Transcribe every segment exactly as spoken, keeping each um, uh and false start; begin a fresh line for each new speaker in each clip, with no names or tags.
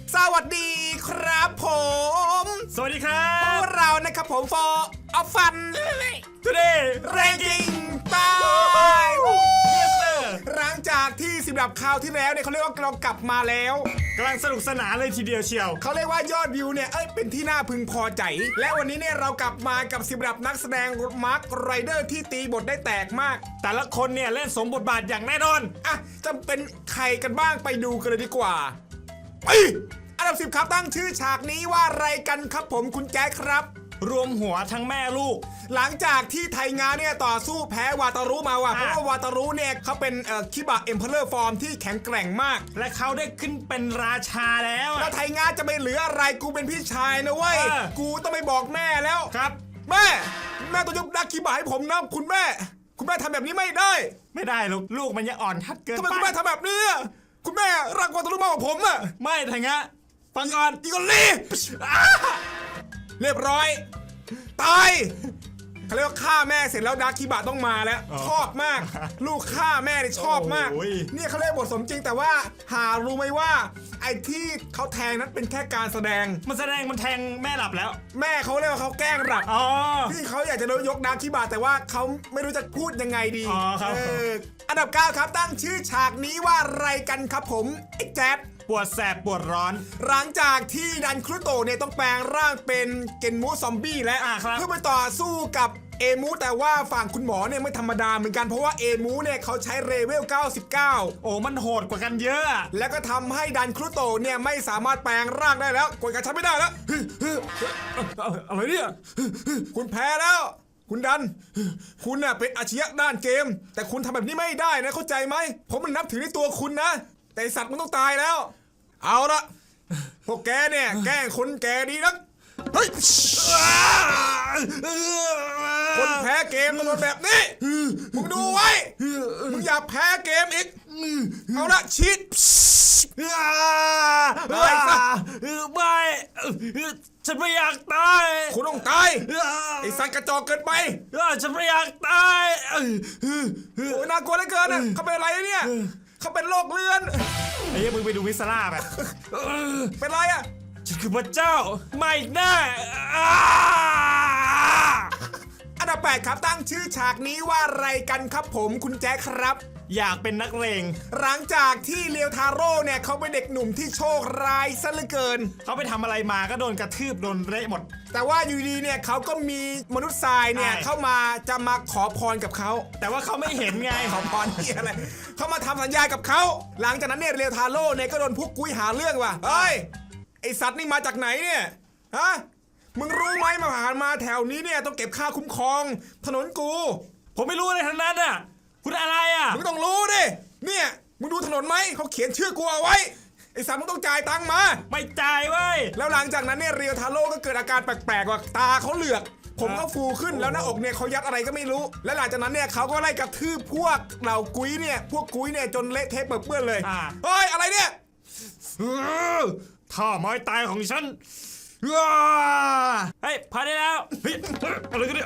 สวัสดีครับผม
สวัสดีครั
พ
บ
วกเรานะครับผม for of fun
today
ranking ตาย
yes sir
หลังจากที่สิบดับคราวที่แล้วเนี่ยเขาเรียกว่าเรากลับมาแล้ว
กำลังสนุกสนานเลยทีเดียวเชียว
เขาเรียกว่ายอดวิวเนี่ยเอ้ยเป็นที่น่าพึงพอใจและวันนี้เนี่ยเรากลับมากับสิบดับนักแสดงมาร์คไรเดอร์ที่ตีบทได้แตกมาก
แต่ละคนเนี่ยเล่นสมบทบาทอย่างแน่นอน
อ่ะจะเป็นใครกันบ้างไปดูกันเลยดีกว่าไปอันดับสิบครับตั้งชื่อฉากนี้ว่าอะไรกันครับผมคุณแจ๊คครับ
รวมหัวทั้งแม่ลูก
หลังจากที่ไทยงาเนี่ยต่อสู้แพ้วาตารุมาว่ะเพ
อ่ะ
ราะว่าวาตารุเนี่ยเขาเป็นเอ่อคิบะเอ็มเพลอร์ฟอร์มที่แข็งแกร่งมาก
และเขาได้ขึ้นเป็นราชาแล้ว
แล้
อะ
วไทยงาจะไปเหลืออะไรกูเป็นพี่ชายนะเว้ย
เออ
กูต้องไปบอกแม่แล้ว
ครับ
แม่แม่ต้องยกดักคิบะให้ผมนะคุณแม่ คุณแม่ทำแบบนี้ไม่ได้
ไม่ได้ลูกลูกมันยังอ่อนทัดเกิน
ทำไม
ไป
คุณแม่ทำแบบนี้อะคุณแม่รักวาตารุมากกว่าผมอะ
ไม่ทางะฟังก่อน
อีกอลีอ่ะเรียบร้อยตายเขาเรียกว่าฆ่าแม่เสร็จแล้วดาร์คิบะต้องมาแล้ว ชอบมาก ลูกฆ่าแม่เนี่ยชอบมาก
โอ้ย
เนี่ยเขาเรียกบทสมจริงแต่ว่าหารู้ไหมว่า ไอ้ที่เขาแทงนั้นเป็นแค่การแสดง
มันแสดงมันแทงแม่หลับแล้ว
แม่เขาเรียกว่าเขาแกล้งหลับ
อ๋อ
ที่เขาอยากจะยกดาร์คิบะแต่ว่าเขาไม่รู้จะพูดยังไงดี
อ๋อครับ
เอออันดับเก้าครับตั้งชื่อฉากนี้ว่าอะไรกันครับผมไอ้แจ๊ด
ปวดแสบปวดร้อน
หลังจากที่ดันครุโตะเนี่ยต้องแปลงร่างเป็นเกนมูซอมบี้และ
อ่าครับ
เพื่อไปต่อสู้กับเอมูแต่ว่าฝั่งคุณหมอเนี่ยไม่ธรรมดาเหมือนกันเพราะว่าเอมูเนี่ยเขาใช้เรเวลเก้าสิบเก้า
โอ้มันโหดกว่ากันเยอะอะ
แล้วก็ทำให้ดันครุโตะเนี่ยไม่สามารถแปลงร่างได้แล้วกดกระชับไม่ได้แล้วอะไรเนี่ยคุณแพ้แล้ว คุณดัน คุณน่ะเป็นอาชญะด้านเกม แต่คุณทำแบบนี้ไม่ได้นะเข้าใจไหมผมมันนับถือในตัวคุณนะแต่ไอ้สัตว์มันต้องตายแล้ว เอาละพวกแกเนี่ยแกล้งคนแกดีนักเฮ้ยคนแพ้เกมต้องโดนแบบนี้มึงดูไว้มึงอย่าแพ้เกมอีกเอาละชิดเฮ้ยซะ
ไม่ฉันไม่อยากตาย
คุณต้องตายไอ้สัตว์กระจอกเกินไป
ฉันไม่อยากตาย
โอ้ยน่ากลัวเหลือเกินอ่ะเขาเป็นอะไรเนี่ยเขาเป็นโรคเลือน
ไอ้เหี้ยมึงไปดูวิสลาแบบ
เป็นไรอ่ะ
ฉันคือพระเจ้าไม่แน่
อันดับแปดครับตั้งชื่อฉากนี้ว่าอะไรกันครับผมคุณแจ๊คครับ
อยากเป็นนักเลง
หลังจากที่เลียวทาโร่เนี่ยเขาเป็นเด็กหนุ่มที่โชคร้ายซะเหลือเกิน
เขาไปทำอะไรมาก็โดนกระทืบโดนเละหมด
แต่ว่าอยู่ดีเนี่ยเขาก็มีมนุษย์ทรายเนี่ย
ใช่
เข้ามาจะมาขอพรกับเขา
แต่ว่าเขาไม่เห็นไง
ขอพรที่อะไรเขามาทำสัญญากับเขาหลังจากนั้นเนี่ยเรียวทาโร่เนี่ยก็โดนพวกกุ้ยหาเรื่องว่ะเฮ้ยไอสัตว์นี่มาจากไหนเนี่ยฮะมึงรู้ไหมมาผ่านมาแถวนี้เนี่ยต้องเก็บค่าคุ้มครองถนนกู
ผมไม่รู้อะไรทั้งนั้นอ่ะคุณอะไรอ่ะ
มึงต้องรู้ดิเนี่ยมึงดูถนนไหมเขาเขียนชื่อกูเอาไว้ไอสัตว์มึงต้องจ่ายตังค์มา
ไม่จ่ายเว้ย
แล้วหลังจากนั้นเนี่ยเรียวทาโร่ก็เกิดอาการแปลกๆว่าตาเขาเหลือก ผมก็ฟูขึ้นแล้วหน้าอกเนี่ยเขายัดอะไรก็ไม่รู้ และหลังจากนั้นเนี่ยเขาก็ไล่กระทืบพวกเหล่ากุ้ยเนี่ยพวกกุ้ยเนี่ยจนเละเทะเปื้อนเลย
อ่า
เฮ้ยอะไรเนี่ย
ท่อไม้ตายของฉันเฮ้ยพอได้แล้วเฮ้ยอะไรกันเนี่ย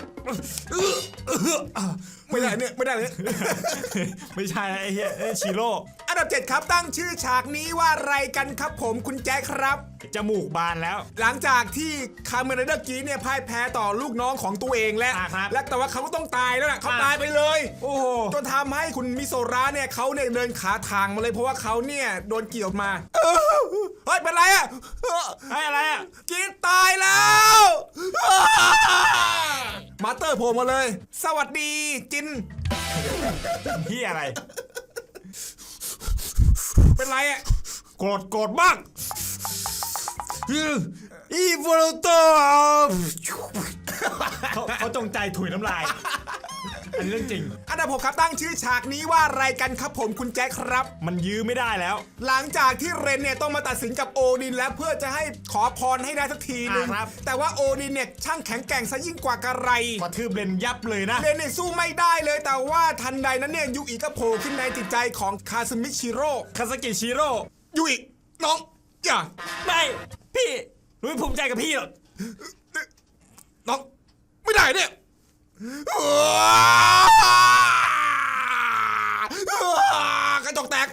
ไม่ได้เนี่ยไม่ได้เนี่ย
ไม่ใช่ไอ้เหี้ยไอ้ชิโร่
อันดับเจ็ดครับตั้งชื่อฉากนี้ว่าอะไรกันครับผมคุณแจ๊คครับ
จมูกบานแล้ว
หลังจากที่คาเมเรเดอร์กีเนี่ยพ่ายแพ้ต่อลูกน้องของตัวเองและ
อ่าครับ
และแต่ว่าเขาก็ต้องตายแล้วนะเขา
อ่า
ตายไปเลย
โอ้โห
จนทำให้คุณมิโซระเนี่ยเขาเนี่ยเดินขาทางมาเลยเพราะว่าเขาเนี่ยโดนเกี่ยวมาเฮ้ยเป็นไรอ่ะ
ไอ้อะไรอ่ะ
กินตายแล้วมาสเตอร์โผล่มาเลย สวัสดีจิน
พี่อะไร
เป็นไรอ่ะ
โกรธโกรธมากอีโวลโตเขาเขาจงใจถุยน้ำลาย อันนี้เรื่องจริง
อันดับหกครับตั้งชื่อฉากนี้ว่าอะไรกันครับผมคุณแจ็คครับ
มันยื้อไม่ได้แล้ว
หลังจากที่เรนเนี่ยต้องมาตัดสินกับโอดินแล้วเพื่อจะให้ขอพรให้ได้สักทีนึง
อ่าครับ
แต่ว่าโอดินเนี่ยช่างแข็งแกร่งซะยิ่งกว่ากระไร
กระทืบเลนยับเลยนะ
เรนเนี่ยสู้ไม่ได้เลยแต่ว่าทันใดนั้นเนี่ยยูอิก็โผล่ขึ้นในจิตใจของคาซึมิชิโร่
คาสกิชิโร่
ยูอิน้องอย่า
ไม่พี่หนูไม่ภูมิใจกับพี่หรอก
น้องไม่ได้เนี่ยกระจกแตก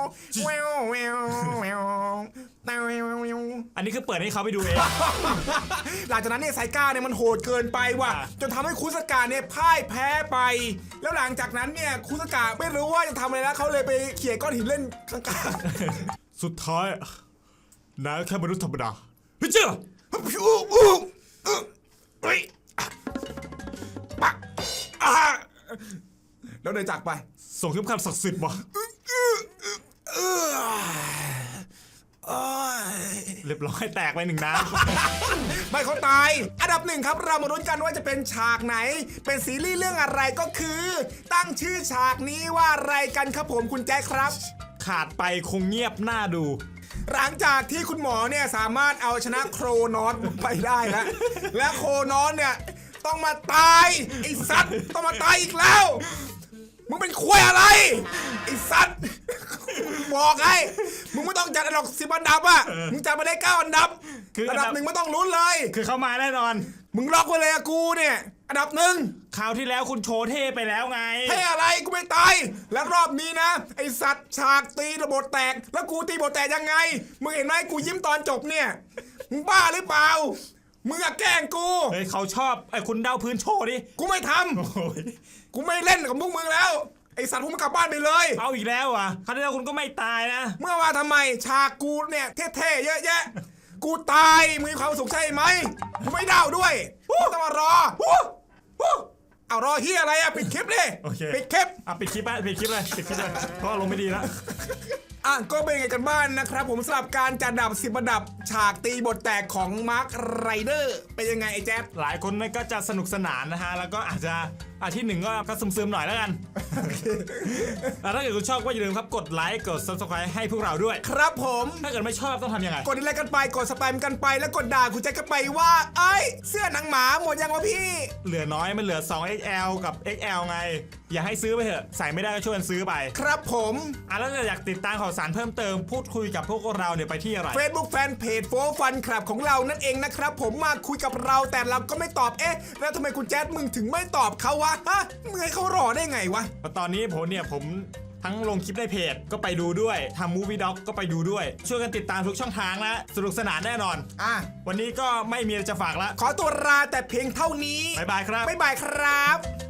แววแววแววแวว
อันนี้คือเปิดให้เขาไปดูเอง
หลังจากนั้นเนี่ยไซก้าเนี่ยมันโหดเกินไปว่ะ
อ่า
จนทำให้คุสกะเนี่ยพ่ายแพ้ไป แล้วหลังจากนั้นเนี่ยคุสกะไม่รู้ว่าจะทำอะไรแล้วเขาเลยไปเขี่ยก้อนหินเล่นข้าง
สุดท้ายนายแค่มนุษย์ธรรมดาเฮ้ยเจ้า
ๆอู้อู้อู้เฮ้ยปักอ่าแล้วเดินจากไป
ส่งเข็มขัดศักดิ์สิทธิ์มา
เออโอ้ย
เรียบร้อยแตกไปหนึ่งน้
ไม่เขาตาย อันดับหนึ่งครับเรามาลุ้นกันว่าจะเป็นฉากไหน เป็นซีรีส์เรื่องอะไรก็คือ ตั้งชื่อฉากนี้ว่าอะไรกันครับผมคุณแจ๊คครับ
ำขาดไปคงเงียบหน้าดู
หลังจากที่คุณหมอเนี่ยสามารถเอาชนะโครนอสไปได้แล้ว และโครนอสเนี่ยต้องมาตายไอ้สัตว์ต้องมาตายอีกแล้ว มึงเป็นควยอะไรไอ้สัตว์บอกไอ้มึงไม่ต้องจัดอันดับสิบอันดับอ่ะมึงจัดมาได้เก้าอันดับ
คืออั
อั
น
น
ดั
ดั
บ
บหนึ่งไม่ต้องลุ้นเลย
คือเขามาแน่นอน
มึงล็อกไว้เลยอะกูเนี่ยอันดับหนึ่ง
คราวที่แล้วคุณโชว์เท่ไปแล้วไง
ให้อะไรกูไม่ตายแล้วรอบนี้นะไอสัตว์ฉากตีระบบแตกแล้วกูตีระบบแตกยังไงมึงเห็นไหมกูยิ้มตอนจบเนี่ยมึงบ้าหรือเปล่ามึงอะแกล้งกู
เฮ้ยเขาชอบไอ้คุณเดาพื้นโชว์ดิ
กูไม่ท
โอ้ย
ำกูไม่เล่นกับพวกมึงแล้วไอสัตว์พวกมึงกลับบ้านไปเลย
เอาอีกแล้วอ่ะคราวที่แล้วคุณก็ไม่ตายนะ
เมื่อมาทำไมฉากกูเนี่ยเท่ๆเยอะแยะกูตายมึงมีความสุขใช่ไหมกูไม่เดาด้วยไม่ต้องมารอเอารอเฮียอะไรอะปิดคลิปดิ
โอเค
ปิดคลิป
อ่ะปิดคลิปไปปิดคลิปเลยปิดคลิปเลยเพราะลงไม่ดีแล้ว
อ่ะก็เป็นไงกันบ้านนะครับผมสำหรับการจัดอันดับสิบอันดับฉากตีบทแตกของมาร์คไรเดอร์เป็นยังไงไอ้แจ๊บ
หลายคนก็จะสนุกสนานนะฮะ แล้วก็อาจจะอาที่หนึ่งก็ก็ซึมๆหน่อยแล้วกัน อ่ะถ้าเกิดคุณชอบก็อย่าลืมครับกดไลค์กด ซับสไครบ์ ให้พวกเราด้วย
ครับผม
ถ้าเกิดไม่ชอบต้องทำยังไง
กดอะไรกันไปกดสแปมกันไปแล้วกดด่าคุณแจ๊คกันไปว่าเอ้ยเสื้อหนังหมาหมดยังวะพี่
เหลือน้อยมันเหลือ สอง เอ็กซ์ แอล กับ เอ็กซ์ แอล ไง อย่าให้ซื้อไปเถอะใส่ไม่ได้ก็ช่วยกันซื้อไป
ครับผม
อ่ะแล้วถ้าอยากติดตามข่าวสารเพิ่มเติมพูดคุยกับพวกเราเนี่ยไปที่อะไร
Facebook Fanpage โฟฟันคลับของเรานั่นเองนะครับผมมาคุยกับเราแต่เราก็ไม่ตอบเอ๊ะแล้วทำไมคุณแจ๊ดมึงถึงไม่ตอบเขาวะฮะมึงให้เขารอได้ไงวะ
ตอนนี้ผมเนี่ยผมทั้งลงคลิปในเพจก็ไปดูด้วยทำมูฟวี่ด็อกก็ไปดูด้วย ช่วยกันติดตามทุกช่องทางนะสนุกสนานแน่นอน
อ่ะ
วันนี้ก็ไม่มีอะไรจะฝากละ
ขอตัวลาแต่เพียงเท่านี้
บ๊ายบายครับ
บ๊ายบายครับ